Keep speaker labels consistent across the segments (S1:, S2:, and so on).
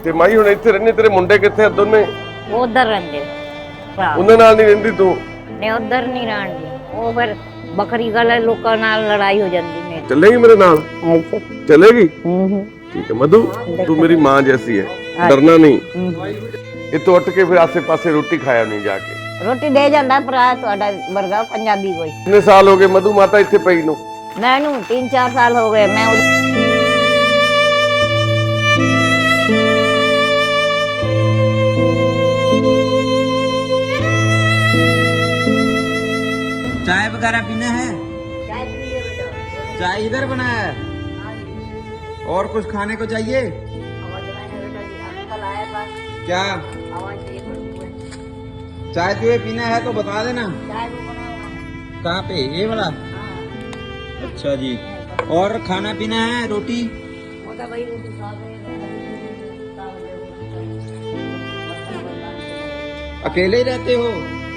S1: ਤੇ ਮਾਈ ਹੁਣ ਇੱਥੇ ਰਹਿੰਦੇ, ਤੇਰੇ ਮੁੰਡੇ ਕਿੱਥੇ ਆ ਦੋਨੇ?
S2: ਉਹ ਉਧਰ ਰਹਿੰਦੇ ਭਰਾ।
S1: ਉਹਨਾਂ ਨਾਲ ਨਹੀਂ ਰਹਿੰਦੀ ਤੂੰ?
S2: ਨੇ ਉਧਰ ਨਹੀਂ ਰਹਿਣਗੇ, ਉਹ ਫਿਰ ਬੱਕਰੀ ਗਲੇ ਲੋਕਾਂ ਨਾਲ ਲੜਾਈ ਹੋ ਜਾਂਦੀ ਮੇਰੀ।
S1: ਚੱਲੇਗੀ ਮੇਰੇ ਨਾਲ?
S2: ਐਸੇ
S1: चलेगी? ठीक है मधु, तू मेरी माँ जैसी है, डरना नहीं। ये तो उठ के फिर आसे पासे रोटी खाया नहीं जाके?
S2: ਰੋਟੀ ਦੇ ਜਾਂਦਾ ਭਰਾ ਤੁਹਾਡਾ ਵਰਗਾ ਪੰਜਾਬੀ ਕੋਈ।
S1: कितने साल हो गए मधु माता इत्थे पई नू?
S2: ਮੈਨੂੰ 3-4 ਸਾਲ ਹੋ ਗਏ। ਮੈਂ
S3: चाय वगैरह पीना है?
S2: ਚਾय ਪੀ ਲਿਓ ਬੇਟਾ।
S3: चाय इधर बना है? और कुछ खाने को चाहिए?
S2: आवाज बनाए बेटा जी, अंकल आए पास।
S3: क्या
S2: आवाज दे पड़ती
S3: चाय तुझे पीना है तो बता देना।
S2: चाय भी बना हुआ है।
S3: कहाँ पे? ये वाला?
S2: हाँ।
S3: अच्छा जी। और खाना पीना है? रोटी?
S2: वो तो भाई रोटी खा गए।
S3: अकेले ही रहते हो?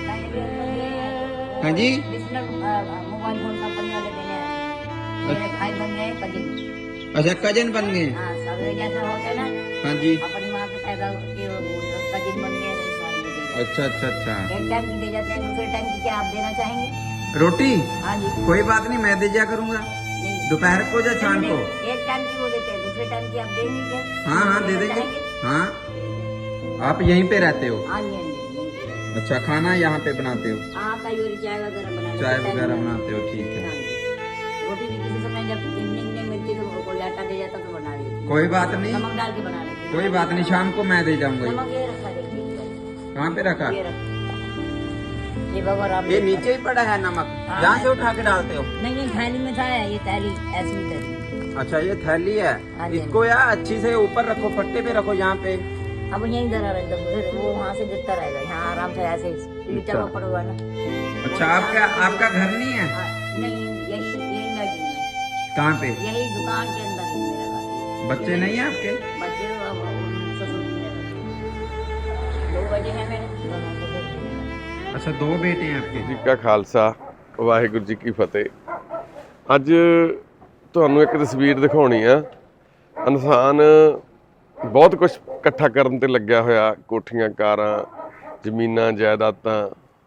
S3: हाँ जी।
S2: मोबाइल फोन का पंजा ले देने मेरे भाई बन गए कजिन।
S3: अच्छा कजन बन गए?
S2: हाँ, सवेरे जैसा होता है ना,
S3: हाँ जी।
S2: अपनी माँ के पैदा होके कजिन बन गए।
S3: अच्छा अच्छा अच्छा।
S2: एक टाइम की दे जाते हैं, दूसरे टाइम की क्या आप देना चाहेंगे?
S3: रोटी?
S2: हाँ जी।
S3: कोई बात नहीं, मैं दे दिया करूँगा।
S2: नहीं,
S3: दोपहर को या शाम को?
S2: एक टाइम की वो देते हैं, दूसरे टाइम की आप देंगे क्या?
S3: हाँ हाँ दे
S2: देना
S3: देंगे।
S2: चाहेंगे?
S3: हाँ आप यहीं पे रहते हो?
S2: हाँ जी, हाँ जी, यहीं पे।
S3: अच्छा खाना यहाँ पे बनाते हो?
S2: हाँ, कई बार चाय वगैरह बनाते हैं।
S3: चाय वगैरह बनाते हो, ठीक है।
S2: हाँ जी। रोटी भी किसी समय जब इवनिंग नहीं मिलती तो कोई आटा दे जाता तो बना लेती।
S3: कोई बात नहीं,
S2: नमक डाल के बना लेती।
S3: कोई बात नहीं, शाम को मैं दे जाऊंगा।
S2: नमक ये रखा देखिए।
S3: कहाँ पे रखा?
S2: ये रखा। ये बाबा राम।
S3: ये नीचे ही पड़ा है नमक,
S2: हाँ।
S3: यहाँ से उठा के डालते हो?
S2: नहीं नहीं, थैली में था ये थैली ऐसी थी।
S3: अच्छा ये थैली है,
S2: हाँ जी।
S3: इसको यार अच्छी से ऊपर रखो, पट्टे पे रखो यहाँ पे।
S2: अब यहीं धरा रहता फिर वो वहाँ से गिरता रहेगा, यहाँ आराम से ऐसे नीचे
S3: अच्छा।
S2: ऊपर हुआ ना।
S3: अच्छा आपका घर नहीं है?
S2: हाँ, नहीं यही यही लगी है।
S3: कहाँ पे?
S2: यही दुकान के अंदर ही मेरा घर।
S3: बच्चे नहीं है आपके?
S2: बच्चे अब ससुर जी ने 2 बजे हैं मेरे दोनों ससुर जी ने।
S3: अच्छा 2 बेटे हैं आपके?
S1: जी का खालसा वाहिगुरू जी की फतेह। ਅੱਜ ਤੁਹਾਨੂੰ ਇੱਕ ਤਸਵੀਰ ਦਿਖਾਉਣੀ ਆ। ਇਨਸਾਨ ਬਹੁਤ ਕੁਝ ਇਕੱਠਾ ਕਰਨ ਤੇ ਲੱਗਿਆ ਹੋਇਆ, ਕੋਠੀਆਂ, ਕਾਰਾਂ, ਜ਼ਮੀਨਾਂ, ਜਾਇਦਾਦਾਂ।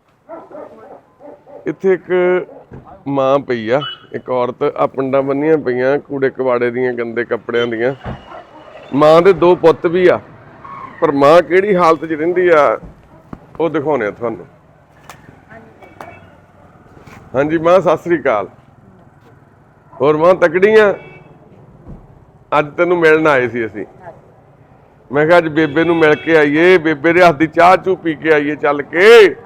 S1: ਇੱਥੇ ਇੱਕ ਮਾਂ ਪਈ ਆ, ਇੱਕ ਔਰਤ ਆ, ਪਿੰਡਾਂ ਬੰਨੀਆਂ ਪਈਆਂ ਕੂੜੇ ਕਵਾੜੇ ਦੀਆਂ, ਗੰਦੇ ਕੱਪੜਿਆਂ ਦੀਆਂ। ਮਾਂ ਦੇ 2 ਪੁੱਤ ਵੀ ਆ, ਪਰ ਮਾਂ ਕਿਹੜੀ ਹਾਲਤ 'ਚ ਰਹਿੰਦੀ ਆ ਉਹ ਦਿਖਾਉਣੇ ਆ ਤੁਹਾਨੂੰ। ਹਾਂਜੀ ਮਾਂ ਸਤਿ ਸ੍ਰੀ ਅਕਾਲ। ਹੋਰ ਮਾਂ ਤਕੜੀਆਂ? ਅੱਜ ਤੈਨੂੰ ਮਿਲਣ ਆਏ ਸੀ ਅਸੀਂ। ਮੈਂ ਕਿਹਾ ਅੱਜ ਬੇਬੇ ਨੂੰ ਮਿਲ ਕੇ ਆਈਏ, ਬੇਬੇ ਦੇ ਹੱਥ ਦੀ ਚਾਹ ਚੂ ਪੀ ਕੇ ਆਈਏ ਚੱਲ ਕੇ।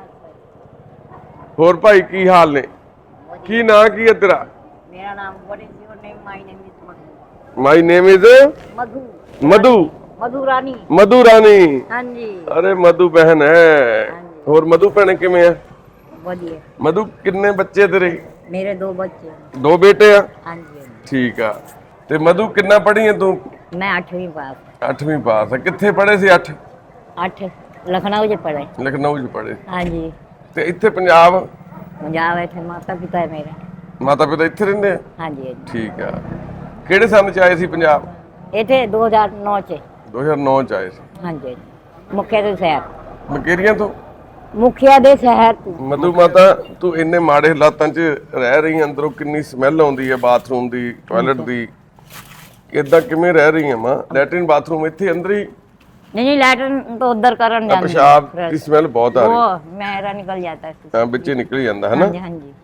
S1: ਹੋਰ ਭਾਈ ਕੀ ਹਾਲ ਨੇ? ਕੀ ਨਾਂ ਕੀ ਹੈ ਤੇਰਾ?
S2: मेरा नाम what is your name? My name is Madhu.
S1: My name is
S2: Madhu.
S1: Madhu.
S2: Madhu Rani.
S1: Madhu Rani.
S2: हाँ जी।
S1: अरे मधु बहन है। और मधु भैन किवें है?
S2: बढ़िया।
S1: मधु कितने बच्चे तेरे?
S2: मेरे 2 बच्चे हैं।
S1: 2 बेटे आ?
S2: हाँ जी, हाँ जी।
S1: ठीक है। ते मधु कितना पढ़ी है तू?
S2: मैं 8वीं पास।
S1: 8वीं पास है। कित्थे पढ़े सी? 8
S2: 8 लखनऊ से पढ़े।
S1: लखनऊ च पढ़े।
S2: हाँ जी।
S1: ते इत्थे पंजाब?
S2: पंजाब बैठे, माता पिता है मेरे।
S1: माता पिता इत्थे रहिंदे आ?
S2: हाँ जी, हाँ जी।
S1: ठीक है। किहड़े सन च आए सी पंजाब?
S2: ये थे 2009 से।
S1: 2009 च आए सी।
S2: हाँ जी, हाँ जी। मुखिया दे शहर।
S1: मकेरियां तो?
S2: मुखिया दे शहर तो।
S1: मधु माता तू इन्ने माड़े हालातां च रह रही है, अंदरों किन्नी स्मैल आउंदी है बाथरूम दी, टॉयलेट दी, इदां किवें रह रही है मां? लैट्रिन बाथरूम इत्थे अंदर ही?
S2: नहीं लैट्रिन तो उधर करन जाते
S1: पेशाब की स्मैल बहुत आ रही है।
S2: वो मेरा निकल जाता है।
S1: हां बिच्चे निकल जांदा है ना?
S2: हाँ जी, हाँ जी।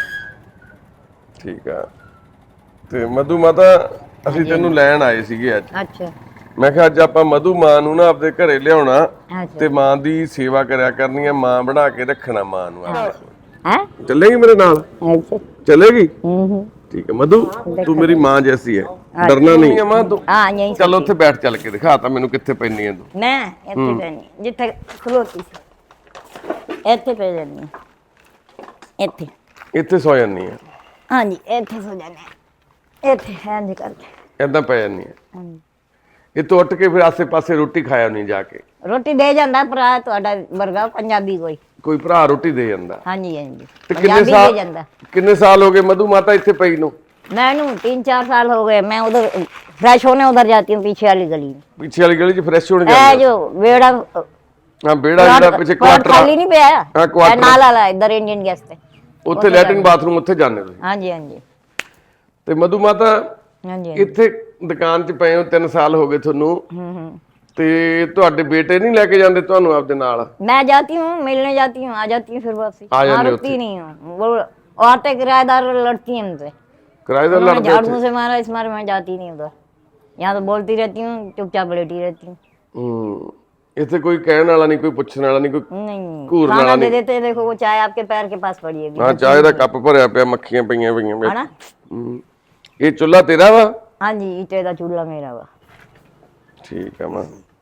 S1: ठीक है। ते मधु माता ਅਸੀਂ ਤੈਨੂੰ ਲੈਣ ਆਏ ਸੀਗੇ ਅੱਜ।
S2: अच्छा
S1: ਮੈਂ ਕਿਹਾ ਅੱਜ ਆਪਾਂ ਮਧੂ ਮਾਂ ਨੂੰ ਨਾ ਆਪਦੇ ਘਰੇ ਲਿਆਉਣਾ
S2: अच्छा।
S1: ਤੇ ਮਾਂ ਦੀ ਸੇਵਾ ਕਰਿਆ ਕਰਨੀ ਹੈ, ਮਾਂ ਬਣਾ ਕੇ ਰੱਖਣਾ ਮਾਂ ਨੂੰ ਆਪਣੇ ਕੋਲ।
S2: हैं?
S1: ਚੱਲੇਗੀ ਮੇਰੇ ਨਾਲ?
S2: अच्छा।
S1: चलेगी? ठीक है मधु, तू मेरी माँ जैसी है, डरना नहीं है माँ तू।
S2: हाँ यहीं से।
S1: चल उत्थे बैठ चल के दिखा ता मैनू कित्थे पैनी है तू।
S2: मैं ਇੱਥੇ ਪੈਣੀ ਜਿੱਥੇ ਖਲੋਤੀ ਸੀ ਇੱਥੇ ਪੈ ਜਾਂਦੀ ਹਾਂ। ਇੱਥੇ
S1: ਇੱਥੇ ਸੌ ਜਾਨੀ ਹੈ?
S2: ਹਾਂਜੀ ਇੱਥੇ ਸੋ ਜਾਂਦੇ ਹਾਂ। ਇੱਥੇ ਹਾਂਜੀ ਕਰਕੇ
S1: ਏਦਾਂ ਪੈ ਜਾਨੀ ਹੈ?
S2: ਹਾਂਜੀ।
S1: ਇਹ ਤੋਂ ਉੱਠ ਕੇ ਫਿਰ ਆਸੇ ਪਾਸੇ ਰੋਟੀ ਖਾਇਆ ਨਹੀਂ ਜਾ ਕੇ?
S2: ਰੋਟੀ ਦੇ ਜਾਂਦਾ ਭਰਾ ਤੁਹਾਡਾ ਵਰਗਾ ਪੰਜਾਬੀ
S1: ਕੋਈ ਭਰਾ ਰੋਟੀ ਦੇ ਜਾਂਦਾ?
S2: ਹਾਂਜੀ ਹਾਂਜੀ
S1: ਤੇ
S2: ਪੰਜਾਬੀ ਦੇ ਜਾਂਦਾ।
S1: ਕਿੰਨੇ ਸਾਲ ਹੋ ਗਏ ਮਧੂ ਮਾਤਾ ਇੱਥੇ ਪਈ ਨੂੰ?
S2: मैनू 3-4 साल हो गए, मैं उधर फ्रेश होने उधर जाती हूँ पीछे वाली गली में।
S1: ਪਿੱਛੇ ਵਾਲੀ ਗਲੀ 'ਚ ਫਰੈਸ਼ ਹੋਣ
S2: है
S1: ਜਾਂਦੇ
S2: जो बेड़ा
S1: ਹਾਂ ਬੇੜਾ ਜਿਹੜਾ ਪਿੱਛੇ
S2: प्लॉट
S1: ਕੁਆਟਰ
S2: खाली नहीं पे आया
S1: हाँ, क्वार्टर।
S2: नाला ला इधर इंडियन गैस पे।
S1: ਉੱਥੇ ਲੈਟਰਿਨ ਬਾਥਰੂਮ ਉੱਥੇ ਜਾਂਦੇ ਤੁਸੀਂ
S2: हाँ जी हाँ जी
S1: ਤੇ ਮਧੂ ਮਾਤਾ
S2: हाँ जी।
S1: ਇੱਥੇ ਦੁਕਾਨ 'ਚ ਪਏ ਹੋ 3 ਸਾਲ ਹੋ ਗਏ ਤੁਹਾਨੂੰ ਤੇ ਤੁਹਾਡੇ ਬੇਟੇ ਨਹੀਂ ਲੈ ਕੇ ਜਾਂਦੇ ਤੁਹਾਨੂੰ ਆਪਦੇ ਨਾਲ
S2: मैं जाती हूँ मिलने जाती हूँ, आ जाती हूँ फिर वापसी।
S1: आ जाते
S2: वहाँ
S1: हो
S2: रुकती नहीं हूँ, वो औरतें किराएदार लड़ती हैं उनसे।
S1: ਕਿਰਾਏਦਾਰ
S2: उन्होंने
S1: ਲੜਦੇ
S2: झाड़ू से मारा, इस मारे मैं जाती नहीं उधर। यहाँ तो बोलती रहती हूँ, चुपचाप लेटी रहती हूँ।
S1: ਇੱਥੇ ਕੋਈ ਕਹਿਣ ਵਾਲਾ ਨਹੀਂ ਕੋਈ ਪੁੱਛਣ ਵਾਲਾ ਨਹੀਂ ਕੋਈ
S2: नहीं
S1: घूरने
S2: खाना
S1: वाला
S2: दे
S1: नहीं।
S2: देते हैं, देखो वो चाय आपके पैर के पास पड़ी है
S1: ਹਾਂ ਚਾਹ ਦਾ ਕੱਪ ਭਰਿਆ ਪਿਆ ਮੱਖੀਆਂ ਪਈਆਂ ਪਈਆਂ
S2: है ना।
S1: ਇਹ ਚੁੱਲ੍ਹਾ ਤੇਰਾ ਵਾ
S2: हाँ जी ईटे का चूल्हा मेरा वा।
S1: ਠੀਕ ਆ ਮਾਂ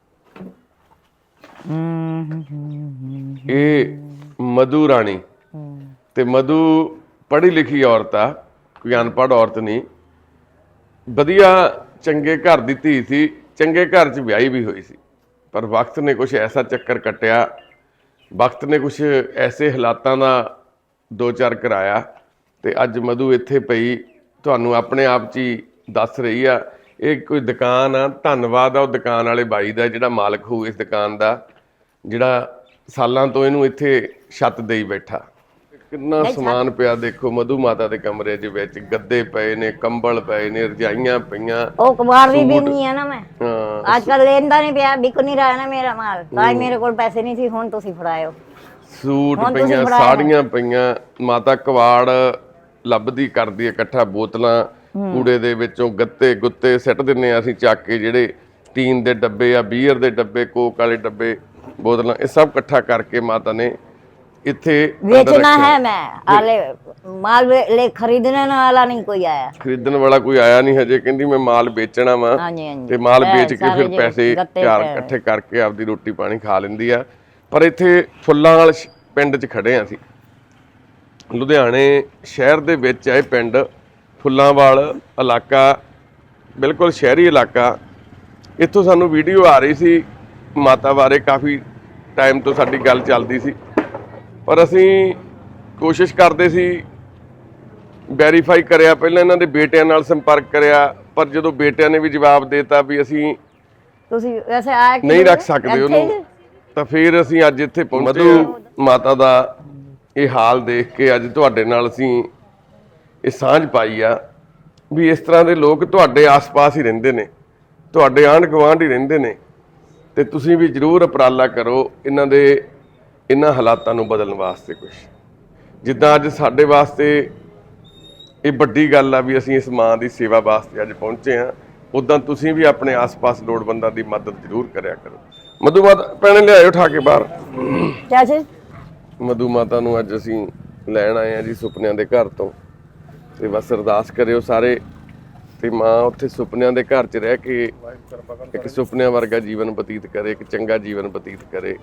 S1: ਇਹ ਮਧੂ ਰਾਣੀ ਤੇ ਮਧੂ ਪੜ੍ਹੀ ਲਿਖੀ ਔਰਤ ਆ ਕੋਈ ਅਨਪੜ੍ਹ ਔਰਤ ਨਹੀਂ ਵਧੀਆ ਚੰਗੇ ਘਰ ਦੀ ਧੀ ਸੀ ਚੰਗੇ ਘਰ 'ਚ ਵਿਆਹੀ ਵੀ ਹੋਈ ਸੀ ਪਰ ਵਕਤ ਨੇ ਕੁਝ ਐਸਾ ਚੱਕਰ ਕੱਟਿਆ ਵਕਤ ਨੇ ਕੁਝ ਐਸੇ ਹਾਲਾਤਾਂ ਦਾ ਦੋ ਚਾਰ ਕਰਾਇਆ ਤੇ ਅੱਜ ਮਧੂ ਇੱਥੇ ਪਈ ਤੁਹਾਨੂੰ ਆਪਣੇ ਆਪ 'ਚ ਹੀ ਦੱਸ ਰਹੀ ਆ ਇਹ ਕੋਈ ਦੁਕਾਨ ਆ ਧੰਨਵਾਦ ਆ ਉਹ ਦੁਕਾਨ ਵਾਲੇ ਬਾਈ ਦਾ ਜਿਹੜਾ ਮਾਲਕ ਹੋਊ ਇਸ ਦੁਕਾਨ ਦਾ ਜਿਹੜਾ ਸਾਲਾਂ ਤੋਂ ਇਹਨੂੰ ਇੱਥੇ ਛੱਤ ਦੇਈ ਬੈਠਾ ਕਿੰਨਾ ਸਮਾਨ ਪਿਆ ਦੇਖੋ ਮਧੂ ਮਾਤਾ ਦੇ ਕਮਰੇ ਦੇ ਵਿੱਚ ਗੱਦੇ ਪਏ ਨੇ ਕੰਬਲ ਪਏ ਨੇ ਰਜਾਈਆਂ ਪਈਆਂ
S2: ओ कबाड़ भी नहीं है ना मैं
S1: ਹਾਂ
S2: आजकल लेनदा नहीं पिया, बिक नहीं रहा है ना मेरा माल। ताई मेरे को पैसे नहीं थी, हुन तुसी फड़ाए हो।
S1: ਸੂਟ
S2: ਹੁਣ ਤੁਸੀਂ
S1: ਪਈਆਂ
S2: ਫੜਾਇਆ
S1: ਸਾੜੀਆਂ ਪਈਆਂ ਮਾਤਾ ਕਵਾੜ ਲੱਭਦੀ ਕਰਦੀ ਇਕੱਠਾ ਬੋਤਲਾਂ ਕੂੜੇ ਦੇ ਵਿੱਚੋਂ ਗੱਤੇ ਗੁੱਤੇ ਸਿੱਟ ਦਿੰਨੇ ਆ ਅਸੀਂ ਚੱਕ ਕੇ ਜਿਹੜੇ ਟੀਨ ਦੇ ਡੱਬੇ ਆ ਬੀਅਰ ਦੇ ਡੱਬੇ ਕੋਕ ਵਾਲੇ ਡੱਬੇ ਬੋਤਲਾਂ ਇਹ ਸਭ ਇਕੱਠਾ ਕਰਕੇ ਮਾਤਾ ਨੇ ਇੱਥੇ ਅੰਦਰ
S2: बेचना
S1: ਰੱਖਿਆ।
S2: है मैं आले माल ले खरीदने वाला नहीं कोई आया।
S1: ਖਰੀਦਣ ਵਾਲਾ ਕੋਈ ਆਇਆ ਨਹੀਂ ਹਜੇ ਕਹਿੰਦੀ ਮੈਂ ਮਾਲ ਵੇਚਣਾ ਵਾ
S2: हाँ जी हाँ जी
S1: ਤੇ ਮਾਲ ਵੇਚ ਕੇ
S2: सारे
S1: ਫਿਰ
S2: जे
S1: ਪੈਸੇ
S2: गत्ते
S1: ਚਾਰ
S2: पे-
S1: ਇਕੱਠੇ ਕਰਕੇ ਆਪਦੀ ਰੋਟੀ ਪਾਣੀ ਖਾ ਲੈਂਦੀ ਆ ਪਰ ਇੱਥੇ ਫੁੱਲਾਂ ਵਾਲ ਪਿੰਡ 'ਚ ਖੜੇ ਆ ਅਸੀਂ ਲੁਧਿਆਣੇ ਸ਼ਹਿਰ ਦੇ ਵਿੱਚ ਆ ਇਹ ਪਿੰਡ ਫੁੱਲਾਂਵਾਲ ਇਲਾਕਾ ਬਿਲਕੁਲ ਸ਼ਹਿਰੀ ਇਲਾਕਾ ਇੱਥੋਂ ਸਾਨੂੰ ਵੀਡੀਓ ਆ ਰਹੀ ਸੀ ਮਾਤਾ ਬਾਰੇ ਕਾਫੀ ਟਾਈਮ ਤੋਂ ਸਾਡੀ ਗੱਲ ਚੱਲਦੀ ਸੀ ਪਰ ਅਸੀਂ ਕੋਸ਼ਿਸ਼ ਕਰਦੇ ਸੀ ਵੈਰੀਫਾਈ ਕਰਿਆ ਪਹਿਲਾਂ ਇਹਨਾਂ ਦੇ ਬੇਟਿਆਂ ਨਾਲ ਸੰਪਰਕ ਕਰਿਆ ਪਰ ਜਦੋਂ ਬੇਟਿਆਂ ਨੇ ਵੀ ਜਵਾਬ ਦੇਤਾ ਵੀ ਅਸੀਂ
S2: तुसी वैसे आया कि
S1: ਨਹੀਂ ਰੱਖ ਸਕਦੇ ਉਹਨੂੰ ਤਾਂ ਫਿਰ ਅਸੀਂ ਅੱਜ ਇੱਥੇ ਪਹੁੰਚੇ ਮਧੂ ਮਾਤਾ ਦਾ ਇਹ ਹਾਲ ਦੇਖ ਕੇ ਅੱਜ ਤੁਹਾਡੇ ਨਾਲ ਅਸੀਂ ਇਹ ਸਾਂਝ ਪਾਈ ਆ ਵੀ ਇਸ ਤਰ੍ਹਾਂ ਦੇ ਲੋਕ ਤੁਹਾਡੇ ਆਸ-ਪਾਸ ਹੀ ਰਹਿੰਦੇ ਨੇ ਤੁਹਾਡੇ ਆਂਢ ਗੁਆਂਢ ਹੀ ਰਹਿੰਦੇ ਨੇ ਤੇ ਤੁਸੀਂ ਵੀ ਜ਼ਰੂਰ ਉਪਰਾਲਾ ਕਰੋ ਇਹਨਾਂ ਹਾਲਾਤਾਂ ਨੂੰ ਬਦਲਣ ਵਾਸਤੇ ਕੁਝ ਜਿੱਦਾਂ ਅੱਜ ਸਾਡੇ ਵਾਸਤੇ ਇਹ ਵੱਡੀ ਗੱਲ ਆ ਵੀ ਅਸੀਂ ਇਸ ਮਾਂ ਦੀ ਸੇਵਾ ਵਾਸਤੇ ਅੱਜ ਪਹੁੰਚੇ ਆ ਉਦਾਂ ਤੁਸੀਂ ਵੀ ਆਪਣੇ ਆਸ-ਪਾਸ ਲੋੜਵੰਦਾਂ ਦੀ ਮਦਦ ਜ਼ਰੂਰ ਕਰਿਆ ਕਰੋ ਮਧੂ ਮਾਤਾ ਭੈਣੇ ਲਿਆਇਓ ਉਠਾ ਕੇ ਬਾਹਰ
S2: क्या चीज?
S1: ਮਧੂ ਮਾਤਾ ਨੂੰ ਅੱਜ ਅਸੀਂ ਲੈਣ ਆਏ ਆ ਜੀ ਸੁਪਨਿਆਂ ਦੇ ਘਰ ਤੋਂ ਤੇ ਬਸ ਅਰਦਾਸ ਕਰਿਓ ਸਾਰੇ ਤੇ ਮਾਂ ਉੱਥੇ ਸੁਪਨਿਆਂ ਦੇ ਘਰ 'ਚ ਰਹਿ ਕੇ ਇੱਕ ਸੁਪਨਿਆਂ ਵਰਗਾ ਜੀਵਨ ਬਤੀਤ ਕਰੇ ਇੱਕ ਚੰਗਾ ਜੀਵਨ ਬਤੀਤ ਕਰੇ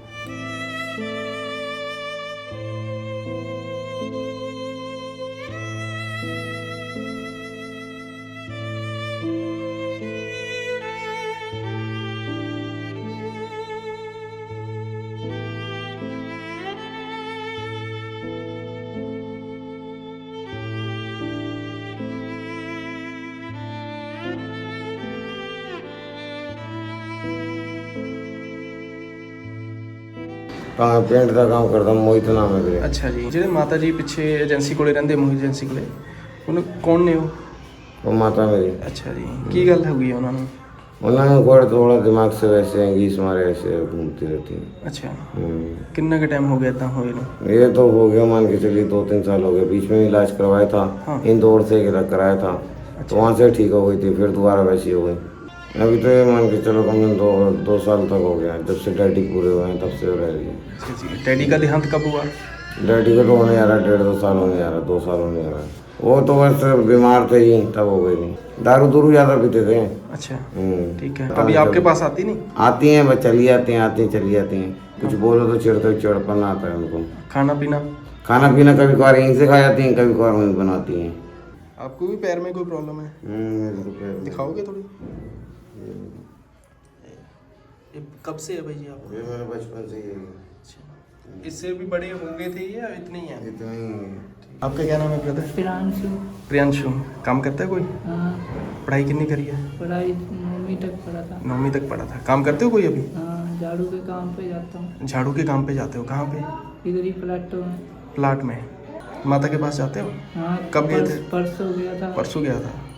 S4: ਤਾਂ ਪੇਂਟ ਦਾ ਕੰਮ ਕਰਦਾ ਮੋਹਿਤ ਨਾਮ ਹੈ ਵੀਰੇ
S5: ਅੱਛਾ ਜੀ ਜਿਹੜੇ ਮਾਤਾ ਜੀ ਪਿੱਛੇ ਏਜੰਸੀ ਕੋਲੇ ਰਹਿੰਦੇ ਮੋਹਿਤ ਏਜੰਸੀ ਕੋਲੇ ਉਹਨੂੰ ਕੌਣ ਨੇ ਉਹ
S4: ਉਹ ਮਾਤਾ ਮੇਰੀ
S5: ਅੱਛਾ ਜੀ ਕੀ ਗੱਲ ਹੋ ਗਈ ਹੈ ਉਹਨਾਂ ਨੂੰ
S4: ਉਹਨਾਂ ਨੂੰ ਕੋਲ ਥੋੜਾ ਦਿਮਾਗ ਸੇ ਵੈਸੇ अंगीस मारे ऐसे घूमती रहती है
S5: ਅੱਛਾ ਕਿੰਨਾ ਕੁ ਟਾਈਮ ਹੋ ਗਿਆ ਇਦਾਂ ਹੋਏ ਨੂੰ
S4: ये तो हो गया मान के चलिए 2-3 साल हो गए बीच में इलाज करवाया था
S5: हाँ।
S4: इंदौर से कराया था तो वहाँ से ठीक हो गई थी फिर दोबारा वैसी हो गई अभी तो ये मान के चलो कम से कम 2 साल तक हो गया जब से डैडी पूरे हुए हैं तब से रह रही है
S5: ਅੱਛਾ ਜੀ ਡੈਡੀ ਦਾ ਦੇਹਾंत कब हुआ
S4: डैडी को तो होने आ रहा 1.5-2 साल होने आ रहा 2 साल होने आ रहा वो तो बस बीमार थे ही तब हो गई थी दारू दूरू ज़्यादा पीते थे
S5: अच्छा
S4: हम्म।
S5: ठीक है कभी आपके पास आती नहीं
S4: आती हैं बस चली जाती हैं चली जाती हैं कुछ बोलो तो चिड़पन आता है उनको
S5: खाना पीना
S4: खाना पीना कभी कभार यहीं से खा जाती हैं कभी कभार वहीं बनाती हैं
S5: आपको भी पैर में कोई प्रॉब्लम है
S4: मेरे तो पैर में-
S5: दिखाओगे थोड़ी ये कब से है भाई जी आप
S4: ये मेरे बचपन से ही है
S5: इससे भी बड़े हो गए थे या इतने ही हैं
S4: इतना ही है।
S5: आपका क्या नाम है ब्रदर?
S6: प्रियांशु।
S5: प्रियांशु। काम करता है कोई?
S6: हाँ,
S5: पढ़ाई कितनी करी है?
S6: पढ़ाई 9वीं तक पढ़ा था।
S5: 9वीं तक पढ़ा था। काम करते हो कोई अभी?
S6: हाँ, झाड़ू के काम पे जाता हूँ।
S5: झाड़ू के काम पे जाते हो? कहाँ पे?
S6: इधर ही प्लाटो में।
S5: प्लाट में। माता के पास जाते हो?
S6: हाँ,
S5: कब गए थे?
S6: परसों गया था।
S5: परसों गया था।